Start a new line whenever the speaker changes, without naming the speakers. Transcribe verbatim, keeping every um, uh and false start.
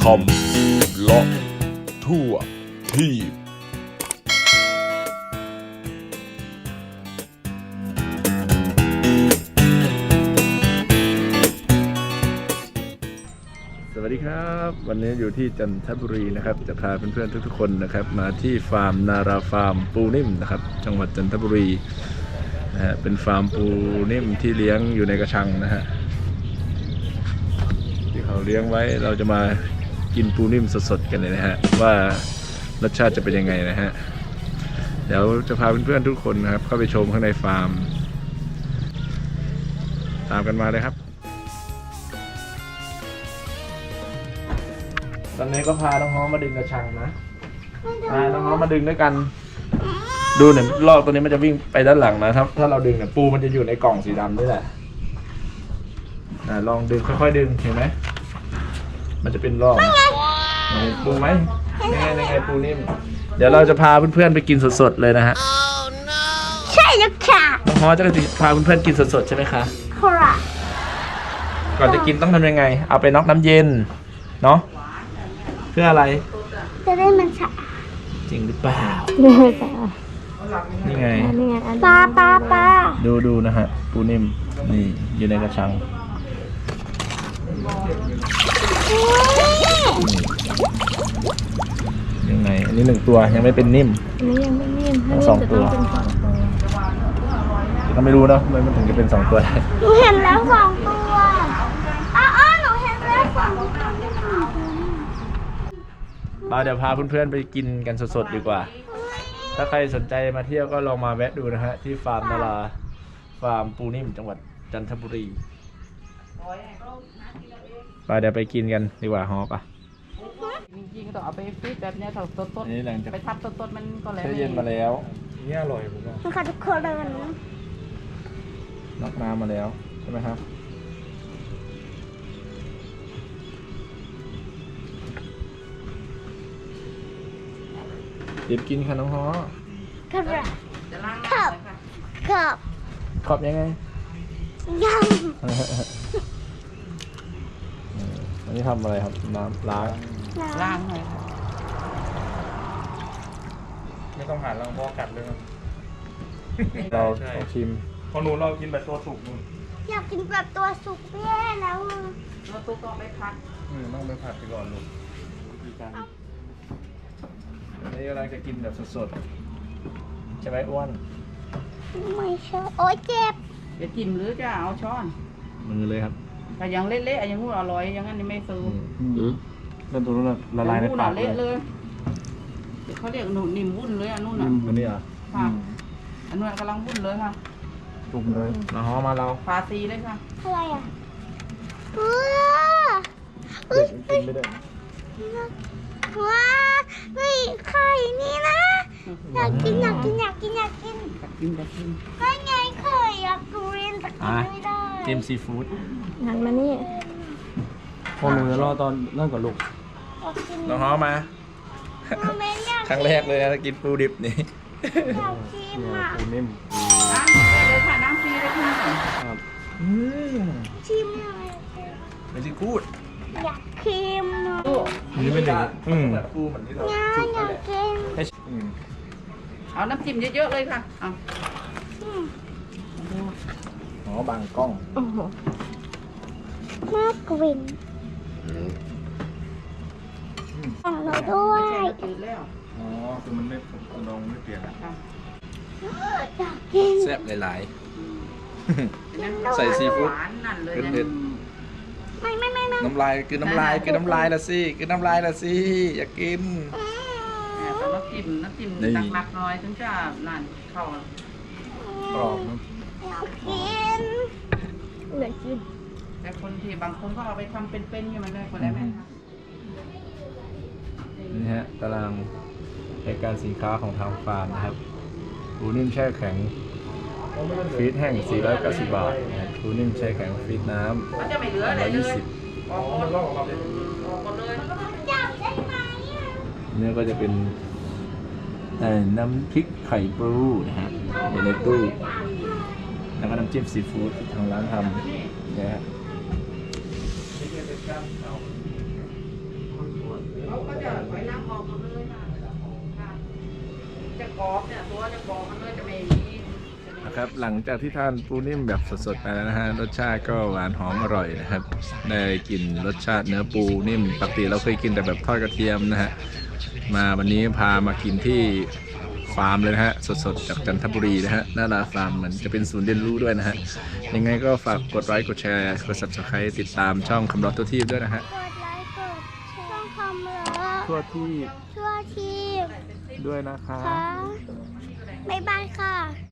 คำเลาะทั่วทีบสวัสดีครับวันนี้อยู่ที่จันทบุรีนะครับจะพาเพื่อนๆทุกๆคนนะครับมาที่ฟาร์มนาราฟาร์มปูนิ่มนะครับจังหวัดจันทบุรีนะฮะเป็นฟาร์มปูนิ่มที่เลี้ยงอยู่ในกระชังนะฮะที่เขาเลี้ยงไว้เราจะมากินปูนิ่มสดๆกันเลยนะฮะว่ารสชาติจะเป็นยังไงนะฮะเดี๋ยวจะพาเพื่อนๆทุกคนนะครับเข้าไปชมข้างในฟาร์มตามกันมาเลยครับตอนนี้ก็พาน้องฮ้อมาดึงกระชังนะพาน้องฮ้อมาดึงด้วยกันดูเนี่ยลอกตัวนี้มันจะวิ่งไปด้านหลังนะถ้าถ้าเราดึงเนี่ยปูมันจะอยู่ในกล่องสีดำนี่แหละอ่าลองดึงค่อยๆดึงเห็นไหมมันจะเป็นลอกเห็นปูไหมนี่ไงนี่ไงปูนิ่มเดี๋ยวเราจะพาเพื่อนๆไปกินสดๆเลยนะฮะ
ใช่แล้วค่ะ
น้องฮ้อจะพาเพื่อนๆกินสดๆใช่ไหมคะ
ครับ
ก่อนจะกินต้องทำยังไงเอาไปน็อกน้ำเย็นเนาะเพื่ออะไร
จะได้มันฉะ
จริงหรือเปล่านี่ไง
ปลาปลาปลา
ดูดูนะฮะปูนิ่มนี่อยู่ในกระชังยังไงอันนี้หนึ่งตัวยังไม่เป็นนิ่ม
อันนี้ยังไม่นิ่ม
ทั้งสองตัวก็ไม่รู้เนาะทำไมมันถึงจะเป็นสองตัวได้
หนูเห็นแล้วสองตัวอ้าวหนูเห็นแล้วสองตัว
เราเดี๋ยวพาเพื่อนๆไปกินกันสดๆดีกว่าถ้าใครสนใจมาเที่ยวก็ลองมาแวะดูนะฮะที่ฟาร์มนาราฟาร์มปูนิ่มจังหวัดจันทบุรีไปเดี๋ยวไปกินกันดีกว่าฮอปะ
จริงๆก็ต้องเอาไปฟีดแบบเนี้ยถ้าสด
นี่หลังจาก
ๆไปทับสดๆมันก็แล้ว
แช่เย็นมาแล้วนี่อร่อยผมว่า
มันขาดทุกคนเลยนะ
น็อกน้ำมาแล้วใช่ไหมครับเดี๋ยวกินค่ะน้องฮอ
ครับ
จะล้าง
ครับ
น้ำเลยค่ะ
ครับ
ขอบยังไง
ยัง
อันนี้ทำอะไรครับน้ำล้าง
ล้างเลยค่ะ
ไม่ต้องหาลังพอกัดเลยครับ
เราต้องชิม
พอหนูเรากินแบบตัวสุกนู่น
อยากกินแบบตัวสุกแย่แล้ว
เราตุ๊กต้องไปพัก
อืมต้องไปผัดไปก่อนลูกวิธีการ
อันนี้กำลังจะกินแบบสดๆใช่ไหมอ้วน
ไม่ใช่โอ๊ยเจ็บ
จะจิ้มหรือจะเอาช้อน
มือเลยครับ
แต่ยังเละๆยังงูอร่อยอย่างนั้นนี่ไม่ซื้อ
เริ่มตัวนู้นละลายใน
งู
ปา
น่ะ
กเล
เละ
ย
เลยเดี๋ยวเขาเรียกหนูนิ่มวุ่นเลยอันนู้นน่ะ
อันนี้อ่ะ
ค่ะอันนู้นกำลังวุ่นเลยค่ะ
จุ่มเลยน้องฮอมาเรา
ฟาซีเลยค่ะ
อะไรอ่ะเออ
เด็กกินไม่ได้
ว้าเฮ้ยไข่นี่นะอยากกินอยากกินอยากกินอยากกิน
กัดกินกัดกิน
ก็ไงไข่อยากกินแต่กินไม่ได้
เต็มซีฟู้ด
หันมานี่
พอหนูจะรอตอนนั่นก่อนลูก
อยากกิน
น้องฮอมา
แม่อยาก
ครั้งแรกเลยนะกินปูดิบนี่
อยากกินอ่ะ
ปูนิ่ม
น้ำฟรีเลยค่ะน้ำฟรีเลยค่ะ
ครับ
อืม
ชิมหน่อย
ไม่ใช่กูด
อยากชิมหน่อย
อันนี้ไม่หนึ่งอืม
แบบปูเหมือนที่เรา
อยาก
จุก
อ
นั่
ยาน
แห
ก
ละ
กิน
อืม
เอาน้ำจิ้มเยอะๆเลยค่ะเอา
อืม
อ๋อบางกล้อง
โอ้โหน่ากลิ่นของเราด้วย
จืดแล้ว
อ๋อคือมันไม่ผมลองไม่เปลี่ยนอะ
ค่ะ
อยากกิน
แซ่บหลาย
นั่น
ใส่ซีฟู้ด
หวานนั่นเลย
เผ็ด
ไม่ไม่ไม่ไม่
ๆน้ำลายคือน้ำลายคือน้ำลายละสิคือน้ำลายละสิอยากกิน
เนี่ยต้องน้ำจิ้มน้ำจิ้ม
นี่
หนักๆหน่อยถึงจะนั่นเข้าก
รอบนะ
อยากกินอยากกิน
แต่คนที่บางคนก็เอาไปทำเป็นๆอย่างมันเลยคนได้ไหมคะ
นี่ฮะตารางรายการสินค้าของทางฟาร์มนะครับปูนิ่มแช่แข็งฟีดแห้งสี่ร้อยเก้าสิบบาทนะครับปูนิ่มแช่แข็งฟีดน้ำ
มันจะไม่เหลืออะไร
ร้อย
เล
ยี่
ย
สิบ
ออกหมดออกหมดเลย
จับได้ไหมอ่ะ
นี่ก็จะเป็นเอ่อน้ำพริกไข่ปูนะฮะอยู่ในตู้แล้วก็น้ำจิ้มซีฟู้ดที่ทางร้านทำนะฮะ
กรอบเนี่ยตัวจะกรอบมันก็จะไม่มี
นะครับหลังจากที่ทานปูนิ่มแบบสดๆไปแล้วนะฮะรสชาติก็หวานหอมอร่อยนะครับได้กลิ่นรสชาติเนื้อปูนิ่มปกติเราเคยกินแต่แบบทอดกระเทียมนะฮะมาวันนี้พามากินที่ฟาร์มเลยนะฮะสดๆจากจันทบุรีนะฮะหน้าลาฟาร์มเหมือนจะเป็นศูนย์เรียนรู้ด้วยนะฮะยังไงก็ฝากกดไลค์กดแชร์กด ซับสไครบ์ ติดตามช่องคำรอตัวทีด้วยนะฮะ
กดไลค์กดช่องคอมเล
ทั่วที่
ทั่วที
ด้วยนะคะ
ค่ะบ๊ายบายค่ะ